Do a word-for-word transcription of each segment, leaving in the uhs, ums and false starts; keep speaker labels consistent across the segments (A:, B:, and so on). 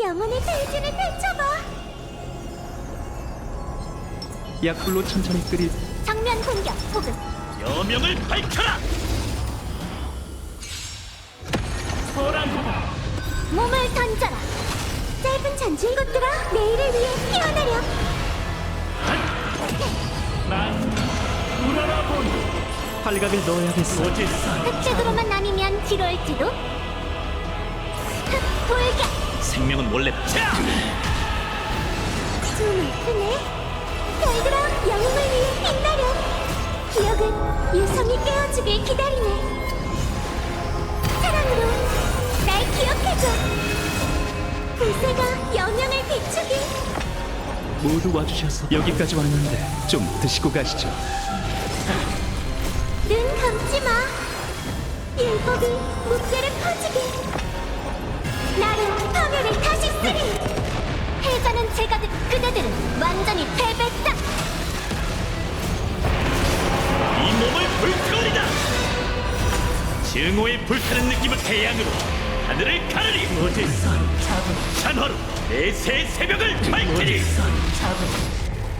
A: 영혼의 대진을 펼쳐봐.
B: 약불로 천천히 끓일
A: 정면 공격 혹은
C: 여명을 밝혀라! 소란구나!
A: 몸을 던져라. 짧은 잔치 이것들아, 내일을 위해 피어나려.
C: 난 우러러본
B: 팔각을 넣어야겠어.
C: 오지산
A: 흑색으로만 나뉘면 뒤로올지도. 흑 돌격.
C: 생명은 원래 자!
A: 좀 아프네. 별들아, 영웅을 위해 빛나려. 기억은 유성이 깨워주길 기다리네. 사랑으로 날 기억해줘. 불새가 영영을 비추길.
B: 모두 와주셔서 여기까지 왔는데 좀 드시고 가시죠.
A: 눈 감지 마. 율법이 무게를 퍼지게. 나로 파멸을 다시 쓰리. 패자는 제가 듯 그대들은 완전히 패배다.
C: 이 몸을 불태우리다! 증오의 불타는 느낌을 태양으로 하늘을 가르리!
D: 오지선 잡음
C: 찬화로 내새 새벽을 밝히리!
D: 오지선 잡음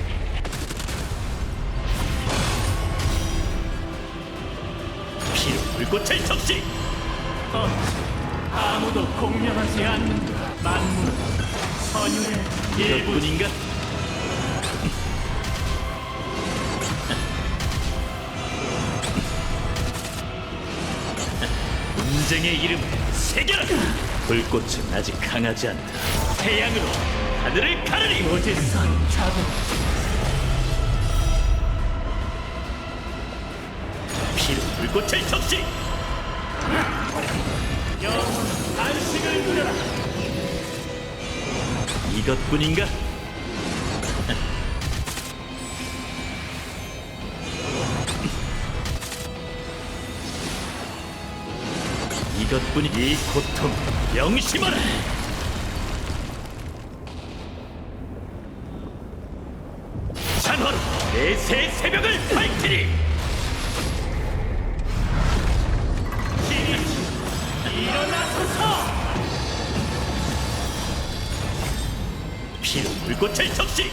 C: 피로 불꽃을 적시!
D: 어, 아무도 공명하지 않는다. 만물은 선율의 일부
C: 이것뿐인가? 분쟁의 이름을 새겨라! 불꽃은 아직 강하지 않다. 태양으로 하늘을 가르리!
D: 오지선 잡음
C: 피로 불꽃을 적시!
D: 영원 안식을 누려라.
C: 이것뿐인가? 이것뿐이 이 고통 명심하라! 찬화로 내새 새벽을 밝히리!
D: 일어나소서.
C: 피로 불꽃을 적시!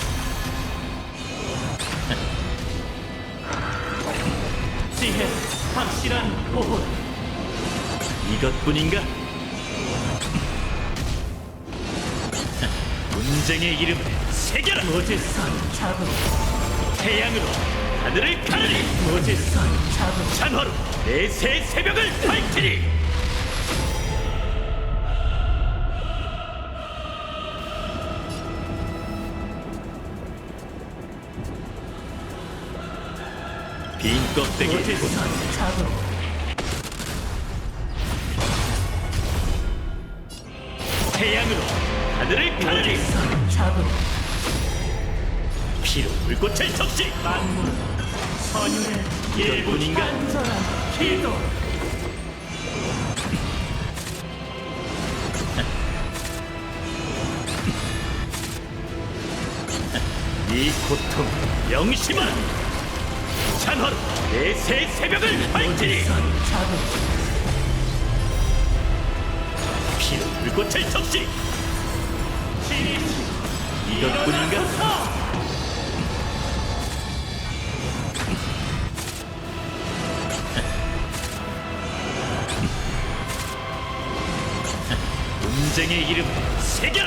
D: 지혜 확실한 보호.
C: 이것뿐인가? 분쟁의 이름을 새겨라!
D: 오지선 잡음
C: 태양으로 하늘을 가르리!
D: 오지선 잡음
C: 찬화로 내새 새벽을 밝히리! 빈 껍데기
D: 오지선 잡음
C: 태양으로 하늘을 가르리!
D: 오지선 잡음
C: 피로 불꽃을 적시!
D: 만물은 선율의 일부
C: 이것뿐인가?
D: 간절한 기도.
C: 이 고통 명심하라! 찬화로 내새 새벽을 밝히리!
D: 오지선 잡음
C: 피로 불꽃을 적시! 이것뿐인가? 분쟁의 이름을 새겨라!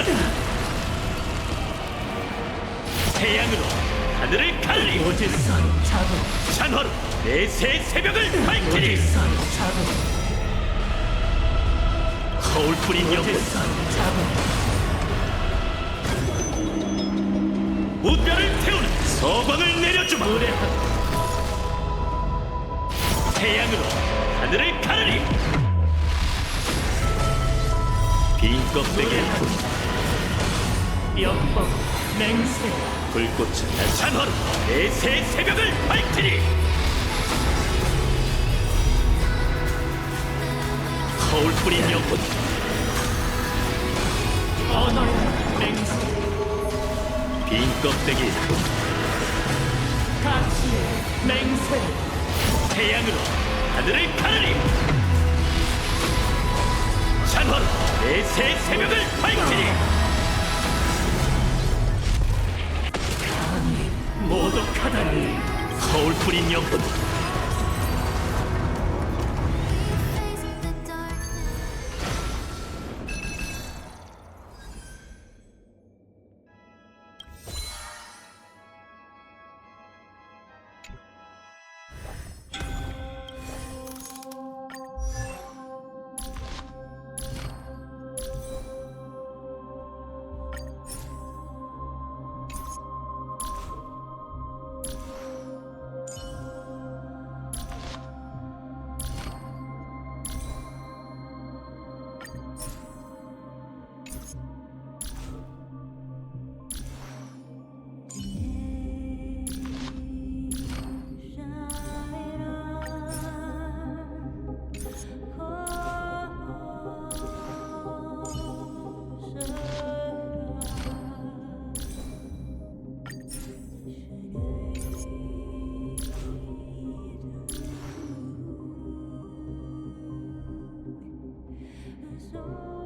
C: 태양으로 하늘을 가르리!
D: 오지선 잡음
C: 찬화로 내새 새벽을 밝히리!
D: 오지선 잡음
C: 거울 뿌린 영혼
D: 오지선 잡음
C: 무뼈를 태우는 서광을 내려주마! 태양으로 하늘을 가르리! 빈 껍데기에
D: 역법 맹세
C: 불꽃은 찬화로 내새 새벽을 밝히리! 거울 뿌린 영혼
D: 언어의 맹세
C: 빈 껍데기
D: 가치의 맹세
C: 태양으로 하늘을 가르리! 찬화로 내새 새벽을 밝히리.
D: 모독하다니.
C: 거울 뿌린 영혼.
E: So